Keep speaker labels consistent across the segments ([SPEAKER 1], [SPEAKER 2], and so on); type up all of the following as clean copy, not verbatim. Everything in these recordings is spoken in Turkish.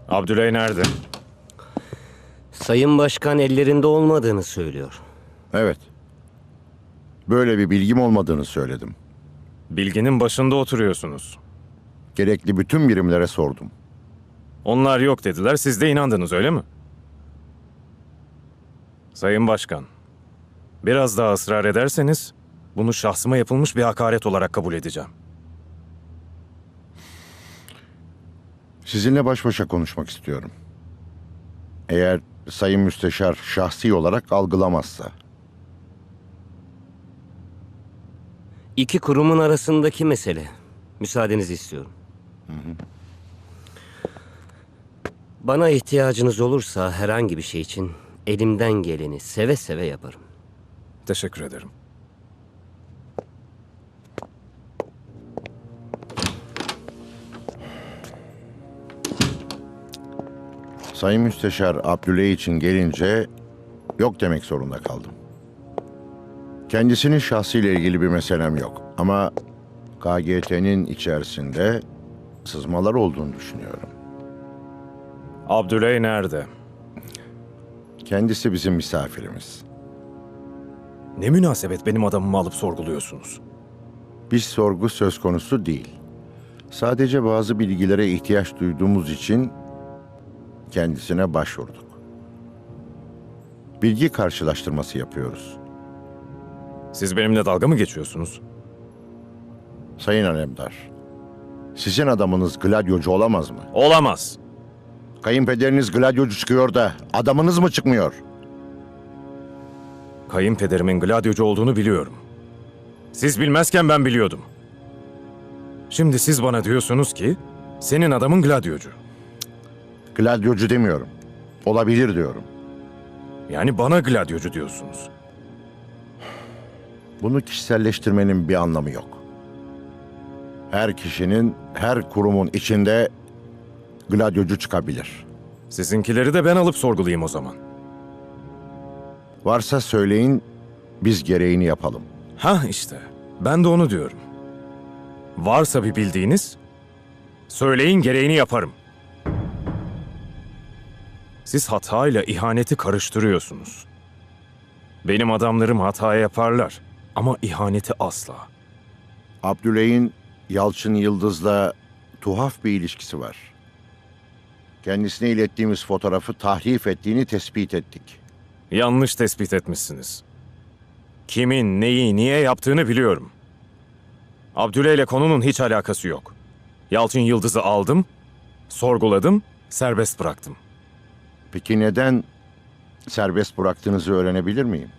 [SPEAKER 1] Abdüley nerede?
[SPEAKER 2] Sayın Başkan ellerinde olmadığını söylüyor.
[SPEAKER 3] Evet. Böyle bir bilgim olmadığını söyledim.
[SPEAKER 1] Bilginin başında oturuyorsunuz.
[SPEAKER 3] Gerekli bütün birimlere sordum.
[SPEAKER 1] Onlar yok dediler, siz de inandınız öyle mi? Sayın Başkan, biraz daha ısrar ederseniz bunu şahsıma yapılmış bir hakaret olarak kabul edeceğim.
[SPEAKER 3] Sizinle baş başa konuşmak istiyorum. Eğer Sayın Müsteşar şahsi olarak algılamazsa.
[SPEAKER 2] İki kurumun arasındaki mesele. Müsaadenizi istiyorum. Bana ihtiyacınız olursa herhangi bir şey için elimden geleni seve seve yaparım.
[SPEAKER 1] Teşekkür ederim.
[SPEAKER 3] Sayın Müsteşar Abdüley için gelince yok demek zorunda kaldım. Kendisinin şahsıyla ilgili bir meselem yok. Ama KGT'nin içerisinde sızmalar olduğunu düşünüyorum.
[SPEAKER 1] Abdüley nerede?
[SPEAKER 3] Kendisi bizim misafirimiz.
[SPEAKER 1] Ne münasebet benim adamımı alıp sorguluyorsunuz?
[SPEAKER 3] Bir sorgu söz konusu değil. Sadece bazı bilgilere ihtiyaç duyduğumuz için kendisine başvurduk. Bilgi karşılaştırması yapıyoruz.
[SPEAKER 1] Siz benimle dalga mı geçiyorsunuz?
[SPEAKER 3] Sayın Alemdar, sizin adamınız gladyocu olamaz mı?
[SPEAKER 1] Olamaz.
[SPEAKER 3] Kayınpederiniz gladyocu çıkıyor da adamınız mı çıkmıyor?
[SPEAKER 1] Kayınpederimin gladyocu olduğunu biliyorum. Siz bilmezken ben biliyordum. Şimdi siz bana diyorsunuz ki senin adamın gladyocu.
[SPEAKER 3] Gladyocu demiyorum. Olabilir diyorum.
[SPEAKER 1] Yani bana gladyocu diyorsunuz.
[SPEAKER 3] Bunu kişiselleştirmenin bir anlamı yok. Her kişinin, her kurumun içinde gladyocu çıkabilir.
[SPEAKER 1] Sizinkileri de ben alıp sorgulayayım o zaman.
[SPEAKER 3] Varsa söyleyin, biz gereğini yapalım.
[SPEAKER 1] Ha işte, ben de onu diyorum. Varsa bir bildiğiniz, söyleyin gereğini yaparım. Siz hatayla ihaneti karıştırıyorsunuz. Benim adamlarım hata yaparlar ama ihaneti asla.
[SPEAKER 3] Abdüley'in Yalçın Yıldız'la tuhaf bir ilişkisi var. Kendisine ilettiğimiz fotoğrafı tahrif ettiğini tespit ettik.
[SPEAKER 1] Yanlış tespit etmişsiniz. Kimin, neyi, niye yaptığını biliyorum. Abdüley ile konunun hiç alakası yok. Yalçın Yıldız'ı aldım, sorguladım, serbest bıraktım.
[SPEAKER 3] Peki neden serbest bıraktığınızı öğrenebilir miyim?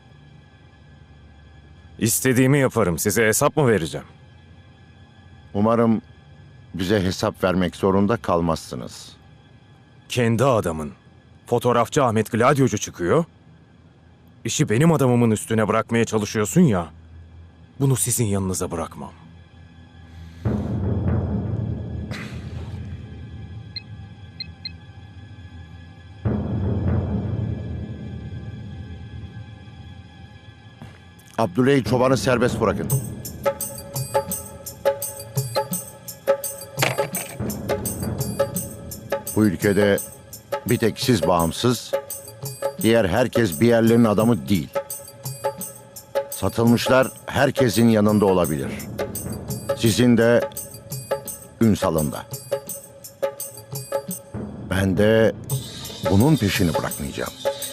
[SPEAKER 1] İstediğimi yaparım, size hesap mı vereceğim?
[SPEAKER 3] Umarım bize hesap vermek zorunda kalmazsınız.
[SPEAKER 1] Kendi adamın, fotoğrafçı Ahmet Gladyocu çıkıyor, işi benim adamımın üstüne bırakmaya çalışıyorsun ya, bunu sizin yanınıza bırakmam.
[SPEAKER 3] Abdüley Çoban'ı serbest bırakın. Bu ülkede bir tek siz bağımsız, diğer herkes bir yerlerin adamı değil. Satılmışlar herkesin yanında olabilir. Sizin de Ünsal'ın da. Ben de bunun peşini bırakmayacağım.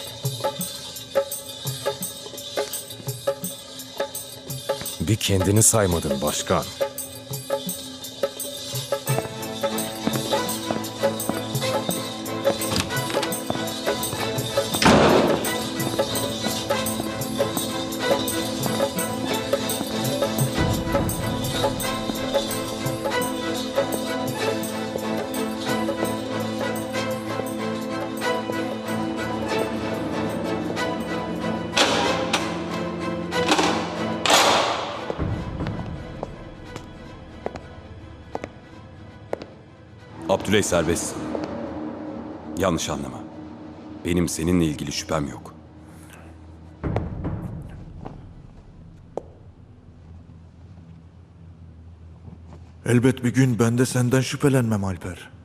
[SPEAKER 1] Bir kendini saymadın başkan.
[SPEAKER 4] Abdüley serbest. Yanlış anlama. Benim seninle ilgili şüphem yok.
[SPEAKER 5] Elbet bir gün ben de senden şüphelenmem Alper.